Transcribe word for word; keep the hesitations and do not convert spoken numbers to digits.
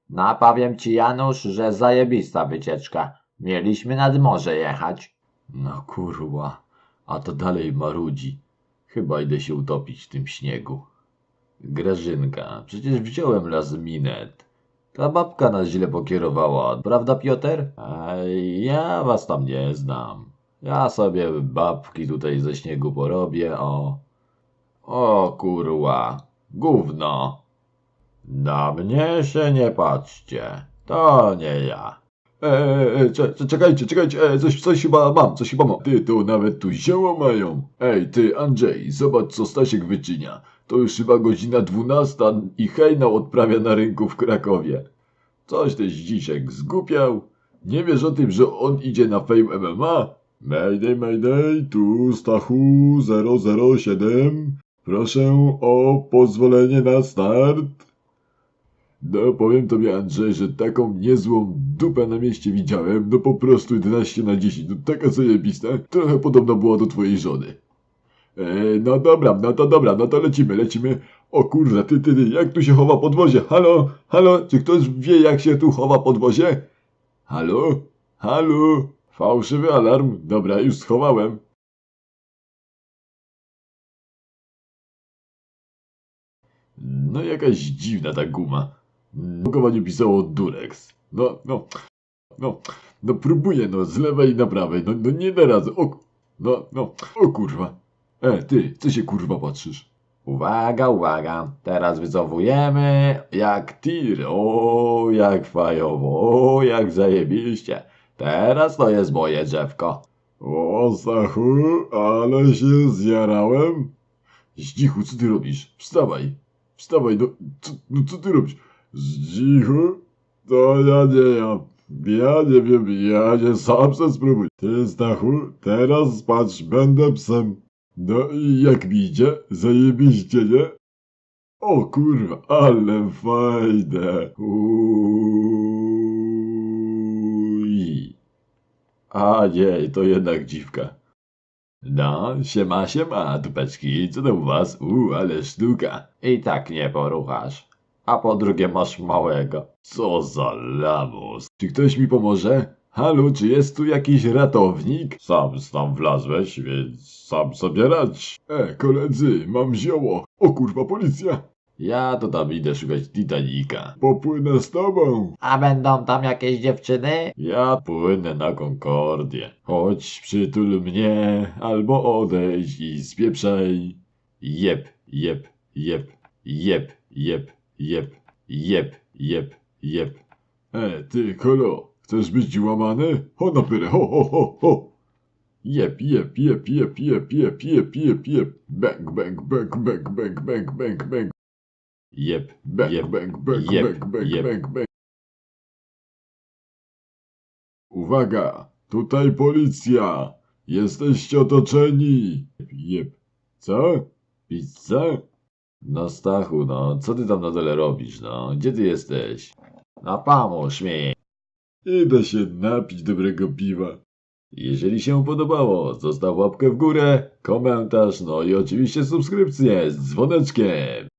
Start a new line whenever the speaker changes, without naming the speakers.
No powiem ci, Janusz, że zajebista wycieczka. Mieliśmy nad morze jechać.
No kurwa, a to dalej marudzi. Chyba idę się utopić w tym śniegu. Grażynka, przecież wziąłem las minet. Ta babka nas źle pokierowała, prawda Piotr? Ej, ja was tam nie znam. Ja sobie babki tutaj ze śniegu porobię, o... O kurwa, gówno. Na mnie się nie patrzcie, to nie ja. Eee, cze, czekajcie, czekajcie, e, coś, coś chyba mam, coś chyba mam. Ty, to nawet tu zioło mają. Ej, ty Andrzej, zobacz co Stasiek wyczynia. To już chyba godzina dwunasta i hejnał odprawia na rynku w Krakowie. Coś też Zdzisiek zgupiał. Nie wiesz o tym, że on idzie na Fame M M A? Mayday, mayday, tu Stachu zero zero siedem. Proszę o pozwolenie na start. No powiem tobie Andrzej, że taką niezłą dupę na mieście widziałem, no po prostu jedenaście na dziesięć, no taka zajebista, trochę podobna była do twojej żony. E, no dobra, no to dobra, no to lecimy, lecimy. O kurwa, ty, ty, ty, jak tu się chowa podwozie? Halo, halo, czy ktoś wie jak się tu chowa podwozie? Halo, halo, fałszywy alarm, dobra, już schowałem. No jakaś dziwna ta guma. W opakowaniu pisało Durex. No, no, no, no próbuję, no, z lewej na prawej, no, no nie da rady, o, no, no, o kurwa. E, ty, co się kurwa patrzysz?
Uwaga, uwaga, teraz wycofujemy jak tir, o jak fajowo, o jak zajebiście. Teraz to jest moje drzewko.
O, Stachu, ale się zjarałem. Zdzichu, co ty robisz? Wstawaj, wstawaj, no, co, no co ty robisz? Zdzichu? To ja nie ja. Ja nie wiem, ja nie sam se spróbuj. Ty, Stachu, teraz patrz, będę psem. No i jak mi idzie? Zajebiście, nie? O kurwa, ale fajne. Uj. A nie, to jednak dziwka. No, siema, siema, dupeczki, co tam u was? Uuu, ale sztuka.
I tak nie poruchasz. A po drugie masz małego.
Co za lamus. Czy ktoś mi pomoże? Halo, czy jest tu jakiś ratownik? Sam tam wlazłeś, więc sam sobie radź. E, koledzy, mam zioło. O kurwa, policja. Ja to tam idę szukać Titanica. Popłynę z tobą.
A będą tam jakieś dziewczyny?
Ja płynę na Concordię. Chodź, przytul mnie, albo odejdź i spieprzaj. Jep, jep, jep, jep, jep, jep, jep, jep, jep. E, ty, kolo, chcesz być łamany? Ho na pyrę, ho, ho, ho, ho. Jep, jep, jep, jep, jep, jep, jep, jep, jep. Bang, bang, bang, bang, bang, bang, bang, bang. Jep, bang,
Jep,
bang, bang,
jep,
bang, bang,
jep.
bang, bang. Uwaga, tutaj policja. Jesteście otoczeni. Jep. Co? Pizza? No Stachu, no, co ty tam na dole robisz, no? Gdzie ty jesteś?
No pomóż mi.
Idę się napić dobrego piwa. Jeżeli się podobało, zostaw łapkę w górę, komentarz, no i oczywiście subskrypcję z dzwoneczkiem.